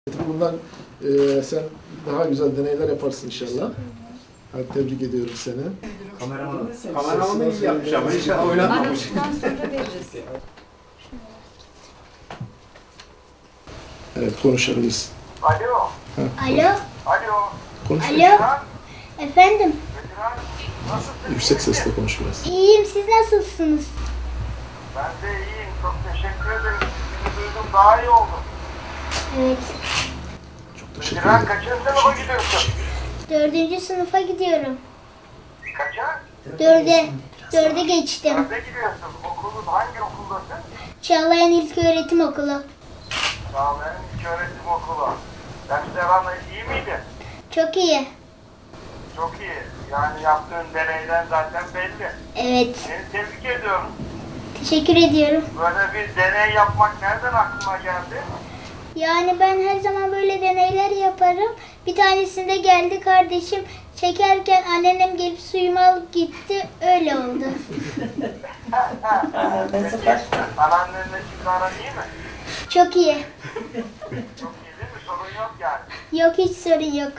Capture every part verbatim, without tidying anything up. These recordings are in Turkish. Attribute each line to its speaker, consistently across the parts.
Speaker 1: Bundan e, sen daha güzel deneyler yaparsın inşallah. Hadi tebrik ediyorum seni.
Speaker 2: Kameraman, kameraman iyi yapmış ama inşallah oynatmamış.
Speaker 3: Aralıktan sonra veririz.
Speaker 1: Evet, konuşabiliriz.
Speaker 4: Alo.
Speaker 5: Alo,
Speaker 4: Alo.
Speaker 1: Konuş.
Speaker 5: alo. Efendim,
Speaker 4: Veteran. Nasılsın?
Speaker 1: Yüksek sesle konuş biraz.
Speaker 5: iyiyim. Siz nasılsınız?
Speaker 4: Ben de iyiyim. Çok teşekkür ederim. Sizi duydum. Daha iyi oldum.
Speaker 5: Evet,
Speaker 1: Çok teşekkür
Speaker 4: Veteran
Speaker 1: ederim.
Speaker 4: kaçıncı sınıfa gidiyorsun?
Speaker 5: dördüncü sınıfa gidiyorum.
Speaker 4: Kaça?
Speaker 5: Dörde, dörde geçtim.
Speaker 4: Nerede gidiyorsun? Okulun hangi okuldasın?
Speaker 5: Çağlayan İlköğretim Okulu.
Speaker 4: Çağlayan İlköğretim Okulu. Dersler anla iyi miydi?
Speaker 5: Çok iyi.
Speaker 4: Çok iyi. Yani yaptığın deneyden zaten belli.
Speaker 5: Evet,
Speaker 4: Seni tebrik ediyorum.
Speaker 5: teşekkür ediyorum.
Speaker 4: Böyle bir deney yapmak nereden aklına geldi?
Speaker 5: Yani ben her zaman böyle deneyler yaparım. Bir tanesinde geldi kardeşim çekerken anneannem gelip suyumu alıp gitti. Öyle oldu.
Speaker 4: Peki, anneannenle şimdi aran iyi mi?
Speaker 5: Çok iyi.
Speaker 4: Çok iyi değil mi? Sorun yok yani.
Speaker 5: Yok, hiç sorun yok.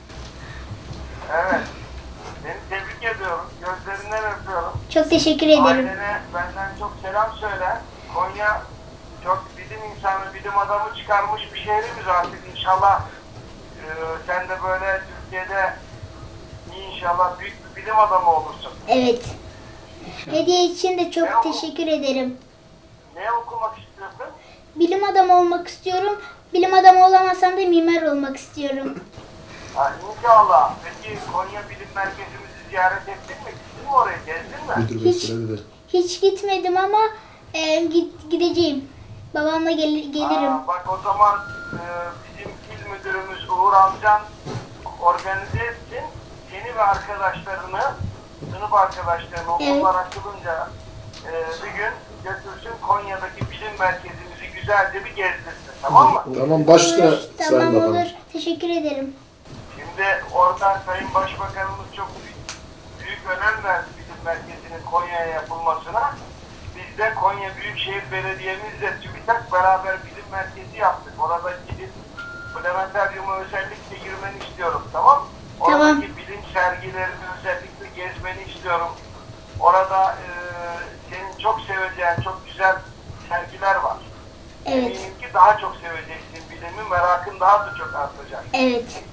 Speaker 4: Evet. Seni tebrik ediyorum. Gözlerinden öpüyorum.
Speaker 5: Çok teşekkür ederim.
Speaker 4: Ailene benden çok selam söyle. Konya çok bilim insanı, bilim adamı çıkarmış bir şehrimiz artık. İnşallah e, sen de böyle Türkiye'de inşallah büyük bir bilim adamı olursun.
Speaker 5: Evet. Hediye için de çok teşekkür ederim.
Speaker 4: Ne okumak istiyorsun?
Speaker 5: Bilim adamı olmak istiyorum. Bilim adamı olamazsam da mimar olmak istiyorum.
Speaker 4: Ha, inşallah. Peki Konya Bilim Merkezimizi ziyaret ettin mi? Gittin mi oraya? Gezdin mi?
Speaker 1: Müdür Bey
Speaker 5: Hiç-
Speaker 1: söyledi.
Speaker 5: Hiç gitmedim ama e, git, gideceğim. Babamla gel, gelirim.
Speaker 4: Aa, bak o zaman e, bizim il müdürümüz Uğur Amcan organize etsin. Seni ve arkadaşlarını, sınıf arkadaşlarını okullar açılınca e, bir gün götürsün Konya'daki bilim merkezimizi güzelce bir gezdirsin. Tamam mı?
Speaker 1: Tamam, başla
Speaker 5: Olur,
Speaker 1: Sayın
Speaker 5: tamam
Speaker 1: Bakanım.
Speaker 5: olur. Teşekkür ederim.
Speaker 4: Şimdi orada Sayın Başbakanımız çok büyük, büyük önem verdi bilim merkezinin Konya'ya yapılmasına. Biz de Konya Büyükşehir Belediye'mizle TÜBİTAK beraber bilim merkezi yaptık. Orada gidip planetaryuma özellikle girmeni istiyorum, tamam mı? Oradaki
Speaker 5: Tamam.
Speaker 4: bilim sergilerini özellikle gezmeni istiyorum. Orada e, senin çok seveceğin çok güzel sergiler var.
Speaker 5: Evet.
Speaker 4: Eminim ki daha çok seveceksin bilimi, merakın daha da çok artacak.
Speaker 5: Evet.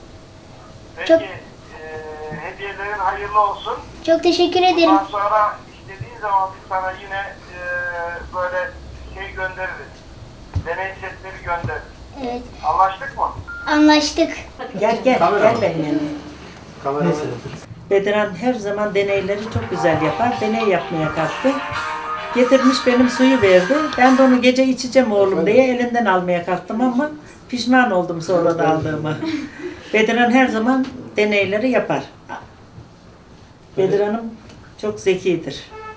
Speaker 4: Peki,
Speaker 5: Çok-
Speaker 4: e, hediyelerin hayırlı olsun.
Speaker 5: Çok teşekkür ederim.
Speaker 4: Bundan sonra istediğin zaman biz sana yine e, böyle şey göndeririz. Deney setleri göndeririz.
Speaker 5: Evet.
Speaker 4: Anlaştık mı?
Speaker 5: Anlaştık.
Speaker 6: Gel gel, gel benim yanıma.
Speaker 2: Kameraman.
Speaker 6: Bedran her zaman deneyleri çok güzel yapar. Deney yapmaya kalktı. Getirmiş benim suyu verdi. Ben de onu gece içeceğim oğlum diye elinden almaya kalktım ama pişman oldum sonra da aldığıma. Bedran her zaman deneyleri yapar. Bedran'ım çok zekidir.